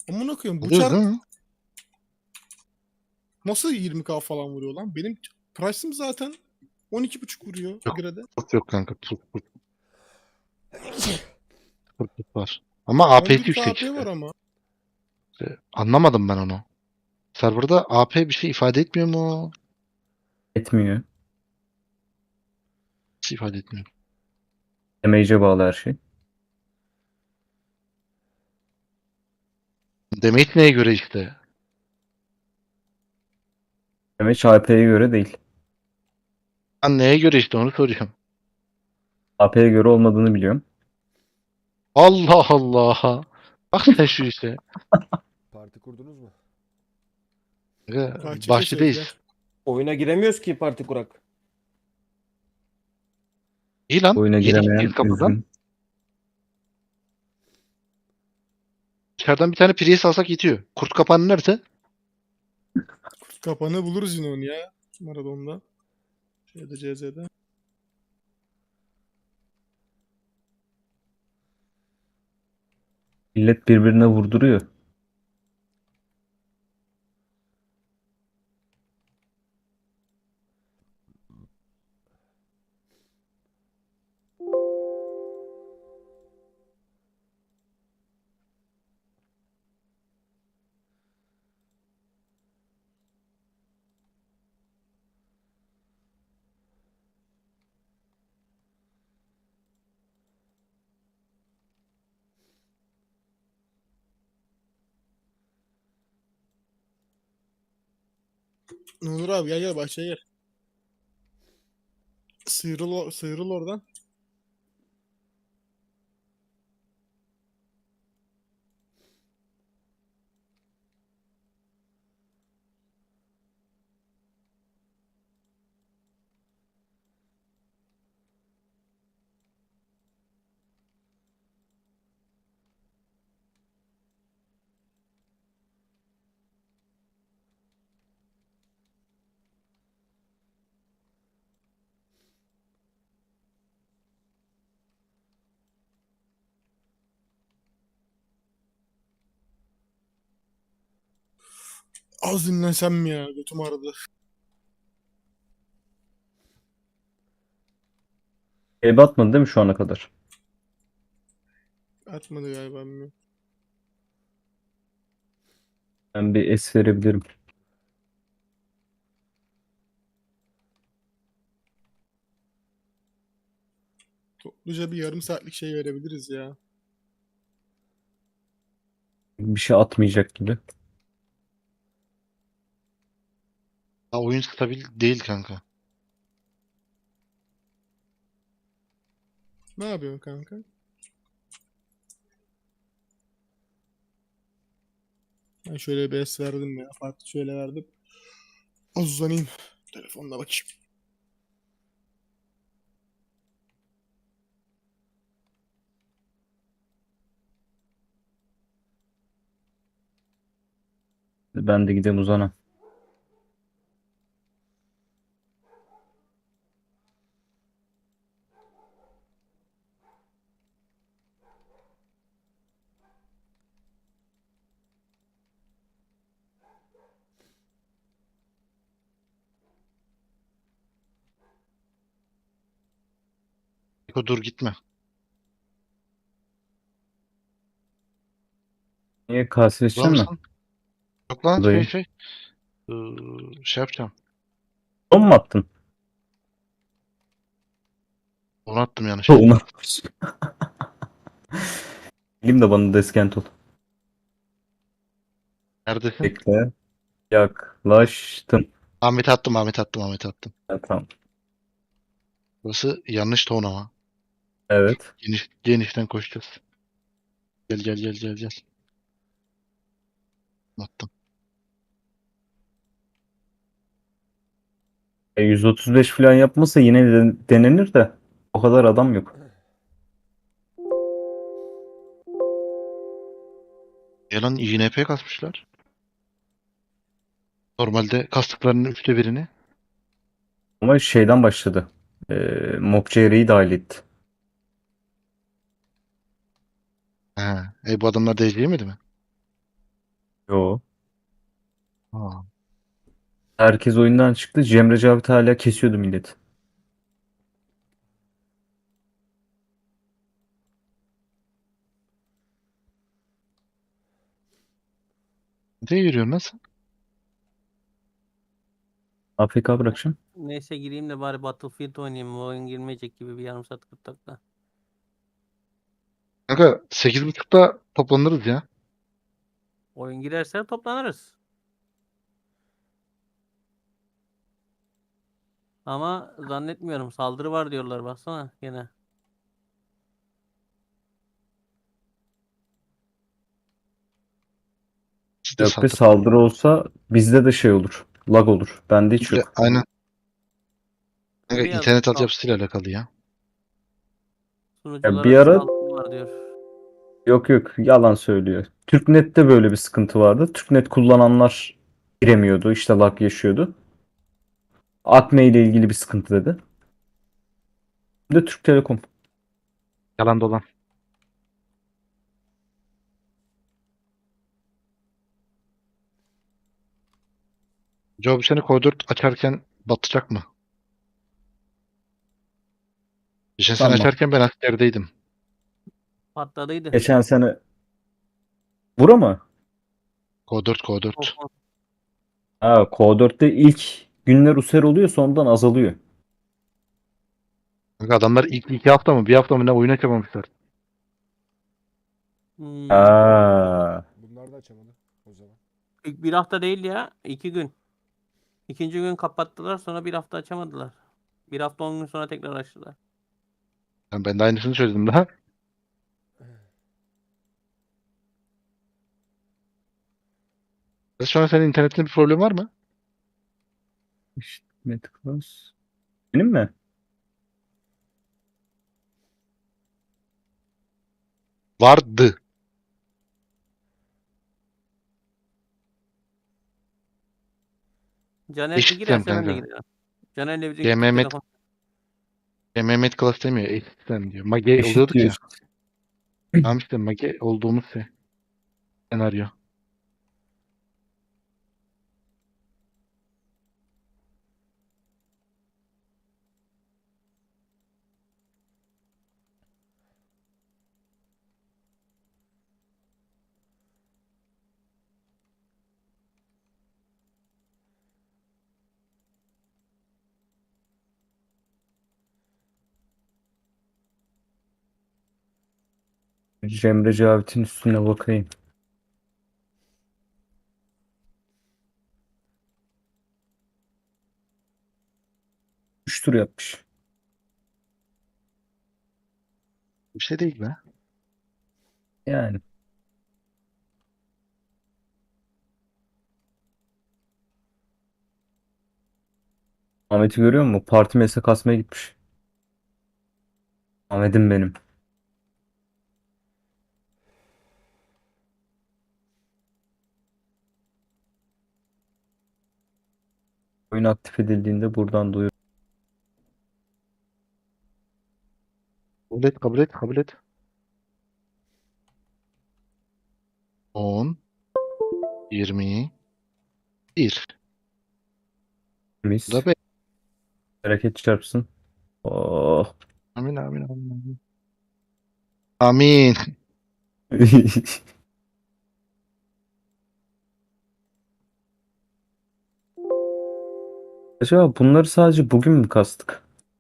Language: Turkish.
Amına koyayım bu Alıyor çar değil mi? nasıl 20k falan vuruyor lan? Benim price'ım zaten 12,5 vuruyor Yok. Agra'da. Çok yok kanka. Çok var. Ama AP'si 11k yüksek AP var işte. ama. Anlamadım ben onu. Serverda AP bir şey ifade etmiyor mu? Etmiyor. Nasıl ifade etmiyor? Damage'e bağlı her şey. Damage neye göre işte? Damage AP'ye göre değil. Ben neye göre işte onu soruyorum. AP'ye göre olmadığını biliyorum. Allah Allah. Bak sen şu işe. Parti kurdunuz mu? Bahçe gel. Bahçedeyiz. Oyuna giremiyoruz ki parti kurak. İyi lan. Oyuna Yeni gittiğiz giremeyen kapıdan. üzgün. İçeriden bir tane Prius alsak yetiyor. Kurt kapanı nerede? Kapanı buluruz yine onu ya. Marathon'da. Şeyde CZ'de. Millet birbirine vurduruyor. Onur abi gel bahçeye gel. Sıyrıl oradan. Az dinlensem mi ya? Götüm ağrıdı. Ebe atmadı değil mi şu ana kadar? Atmadı galiba bilmiyorum. Ben bir es verebilirim. Topluca bir yarım saatlik şey verebiliriz ya. Bir şey atmayacak gibi. Ha, oyun stabil değil kanka. Ne yapıyorsun kanka? Ben şöyle bir es verdim ya. Farklı şöyle verdim. Az uzanayım. Telefonla bakayım. Ben de gideyim uzana. Eko dur gitme. Niye kase Var içeceksin mi? mısın? Yok lan Buradayım. Ee, şey yapacağım. Son mu attın? Onu attım Onu yanlışlıkla. atmış. Bileyim de bana deskent ol. Neredesin? Bekle. Yaklaştım. Ahmet attım. Ya, tamam. Burası yanlış ton ama. Evet. Genişten koşacağız. Gel. Attım. 135 falan yapmasa yine de denenir de o kadar adam yok. Yalan INP kasmışlar. Normalde kastıklarının üçte birini. Ama şeyden başladı. Mob CR'yi dahil etti. He. Bu adamlar da yemedi mi? Yo. Ha. Herkes oyundan çıktı. Cemre Cavit hala kesiyordu millet. Nereye yürüyorsun nasıl? AFK bırakacağım. Neyse gireyim de bari Battlefield oynayayım. Bu oyun girmeyecek gibi bir yarım saat 40 dakika. Kanka 8.30'da toplanırız ya. Oyun girerse toplanırız. Ama zannetmiyorum. Saldırı var diyorlar baksana gene. Siz de Yok be, saldırın. saldırı olsa bizde de şey olur. Lag olur. Bende hiç yok. Aynen. Kanka Biraz internet sal- altyapısıyla alakalı ya. Ya Sunuculara bir ara saldırı var diyor. yok yalan söylüyor. Türknet'te böyle bir sıkıntı vardı. Türknet kullananlar giremiyordu. İşte lag yaşıyordu. Akme ile ilgili bir sıkıntı dedi. Bir de Türk Telekom. Yalan dolan. Job seni koridor açarken batacak mı? Geçen sene Sanmam. açarken ben askerdeydim. Patladıydı. Geçen sene Bura mı? Kod 4 kod 4. Of, Ha, Q4'te ilk günler user oluyor, sonradan azalıyor. Kanka adamlar ilk 2 hafta mı 1 hafta mı ne oyun açamamışlar. Ha. Bunlar da açamadı o zaman. İlk bir hafta değil ya. 2 gün. İkinci gün kapattılar, sonra bir hafta açamadılar. Bir hafta 10 gün sonra tekrar açtılar. Ben de aynısını söyledim daha. Şu an senin internetinde bir problem var mı? İşte Metacross. Benim mi? Vardı. Caner bir Eşitlem girerse ben de kanka. girerim. Caner'le bizim Ya gittik Mehmet, telefon. Mehmet Class demiyor. Eşitlem diyor. Mage Eşit oluyorduk diyor ya. işte. Tamam işte Mage olduğumuz senaryo. Cemre Cavit'in üstüne bakayım. 3 tur yapmış. Bir şey değil be. Yani. Ahmet'i görüyor musun? Parti mesle kasmaya gitmiş. Ahmet'im benim. Oyun aktif edildiğinde buradan duyuyor. Kabul et, kabul et, kabul et. 10, 20, 1. Mis. Bu da be. Bereket çarpsın. Oh. Amin, amin, amin, amin. Amin. Acaba bunları sadece bugün mü kastık?